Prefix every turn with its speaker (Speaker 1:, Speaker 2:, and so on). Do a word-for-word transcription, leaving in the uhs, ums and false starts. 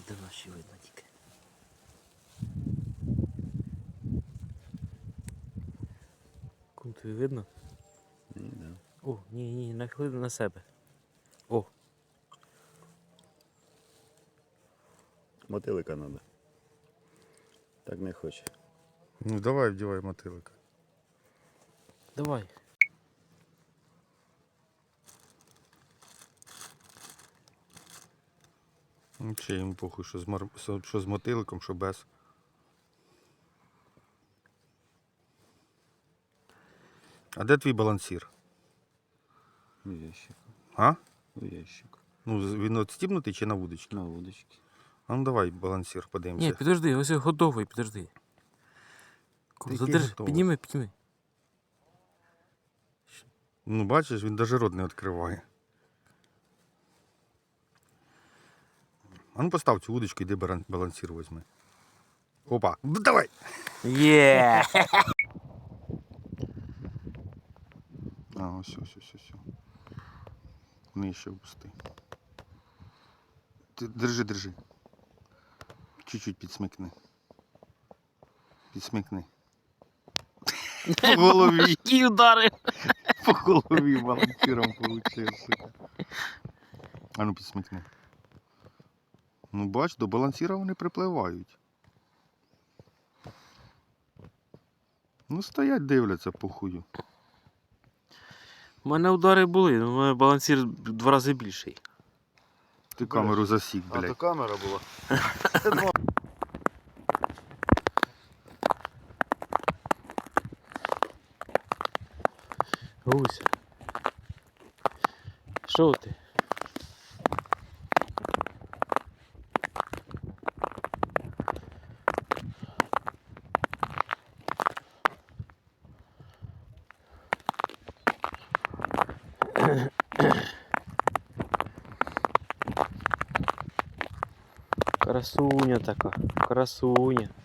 Speaker 1: де наші видно тільки. Кум тобі видно?
Speaker 2: Ні, да.
Speaker 1: О, ні, ні, нахили на себе. О,
Speaker 2: Мотилика треба. Так не хоче.
Speaker 3: Ну давай вдівай мотилика.
Speaker 1: давай.
Speaker 3: Ну, чи йому похуй, що з, мар... що з мотиликом, що без. А де твій балансір?
Speaker 2: У ящику.
Speaker 3: А?
Speaker 2: У ящику.
Speaker 3: Ну, з- він відстібнутий чи на вудочці?
Speaker 2: На вудочці.
Speaker 3: А ну давай балансір подивимося.
Speaker 1: Ні, підожди, ось я готовий, підожди. Кум,
Speaker 3: Який
Speaker 1: задержи,
Speaker 3: готовий?
Speaker 1: підніми, підніми.
Speaker 3: Ну бачиш, він навіть рот не відкриває. А ну постав цю вудочку, йди баран- балансір візьми. Опа, ну, давай!
Speaker 1: Є!
Speaker 3: А, ось, ось, ось, ось. Нижче впусти. Ти держи, держи. Чуть-чуть підсмикни. Підсмикни. По голові.
Speaker 1: Які удари!
Speaker 3: По голові балансиром получив, сука. А ну підсмикни. Ну бач, до балансіра вони припливають. Ну стоять, дивляться по хую.
Speaker 1: У мене удари були, але у мене балансір в два рази більший.
Speaker 3: Ти камеру засік,
Speaker 2: А то
Speaker 3: блядь.
Speaker 2: камера була.
Speaker 1: Гуся. Що ти? Красуня така, красуня.